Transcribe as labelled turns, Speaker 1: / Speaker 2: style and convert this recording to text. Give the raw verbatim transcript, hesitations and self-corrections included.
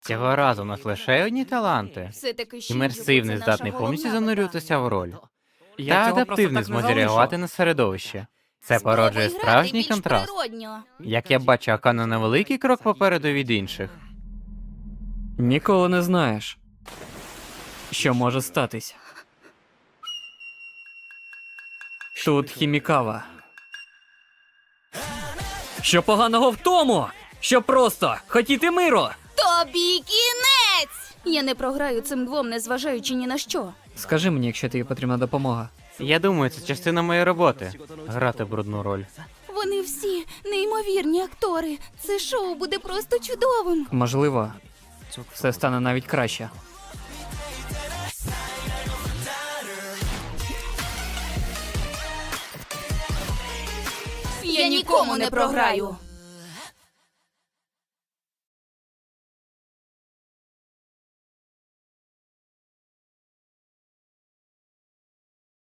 Speaker 1: Цього разу у нас лише одні таланти.
Speaker 2: Все-таки ще
Speaker 1: Імерсивний,
Speaker 2: Юко, це
Speaker 1: здатний
Speaker 2: наша
Speaker 1: повністю
Speaker 2: головна
Speaker 1: занурюватися в роль.
Speaker 3: Я
Speaker 1: Та
Speaker 3: цього просто
Speaker 1: адаптивний
Speaker 3: так не
Speaker 1: зможе
Speaker 3: залишу.
Speaker 1: реагувати на середовище. Це
Speaker 2: Спробуй
Speaker 1: породжує
Speaker 2: грати
Speaker 1: справжній
Speaker 2: більш
Speaker 1: контраст.
Speaker 2: природньо.
Speaker 1: Як я бачу, Акана на великий крок попереду від інших.
Speaker 3: Ніколи не знаєш, що може статись. Тут Хімікава. Що поганого в тому, що просто хотіти миру?
Speaker 2: Тобі кінець! Я не програю цим двом, незважаючи ні на що.
Speaker 3: Скажи мені, якщо тобі потрібна допомога.
Speaker 1: Я думаю, це частина моєї роботи — грати брудну роль.
Speaker 2: Вони всі неймовірні актори. Це шоу буде просто чудовим.
Speaker 3: Можливо, все стане навіть краще.
Speaker 2: Я нікому не програю.